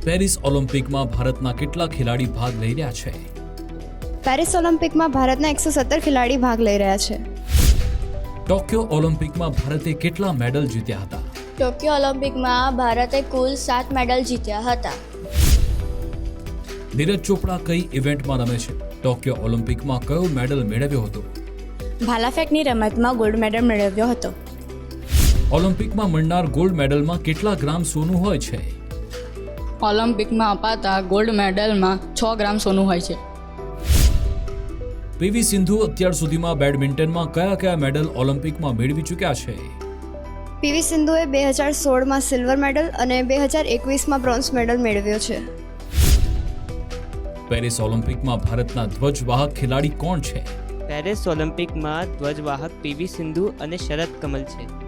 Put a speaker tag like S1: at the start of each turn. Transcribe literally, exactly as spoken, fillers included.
S1: Paris ઓલિમ્પિકમાં ભારતના કેટલા ખેલાડી ભાગ લઈ રહ્યા છે?
S2: પેરિસ ઓલિમ્પિકમાં ભારતના એકસો સત્તર ખેલાડી ભાગ લઈ રહ્યા છે.
S1: ટોક્યો ઓલિમ્પિકમાં ભારતે કેટલા મેડલ જીત્યા હતા?
S3: ટોક્યો ઓલિમ્પિકમાં ભારતે કુલ સાત મેડલ જીત્યા હતા.
S1: નીરજ ચોપડા કઈ ઇવેન્ટમાં રમે છે? ટોક્યો ઓલિમ્પિકમાં કયો મેડલ મેળવ્યો હતો?
S3: ભાલાફેંકની રમતમાં ગોલ્ડ મેડલ મેળવ્યો હતો.
S1: ઓલિમ્પિકમાં મળનાર ગોલ્ડ મેડલમાં કેટલા ગ્રામ સોનું હોય છે?
S4: ઓલિમ્પિકમાં અપાતા ગોલ્ડ મેડલમાં છ ગ્રામ સોનું હોય છે.
S1: પીવી સિંધુ અત્યાર સુધીમાં બેડમિન્ટનમાં કયા કયા મેડલ ઓલિમ્પિકમાં મેળવી ચૂક્યા છે?
S2: પીવી સિંધુએ બે હજાર સોળમાં સિલ્વર મેડલ અને બે હજાર એકવીસમાં બ્રોન્ઝ મેડલ મેળવ્યો છે.
S1: પેરિસ ઓલિમ્પિકમાં ભારતના ધ્વજવાહક ખેલાડી કોણ છે?
S5: પેરિસ ઓલિમ્પિકમાં ધ્વજવાહક પીવી સિંધુ અને શરદ કમલ છે.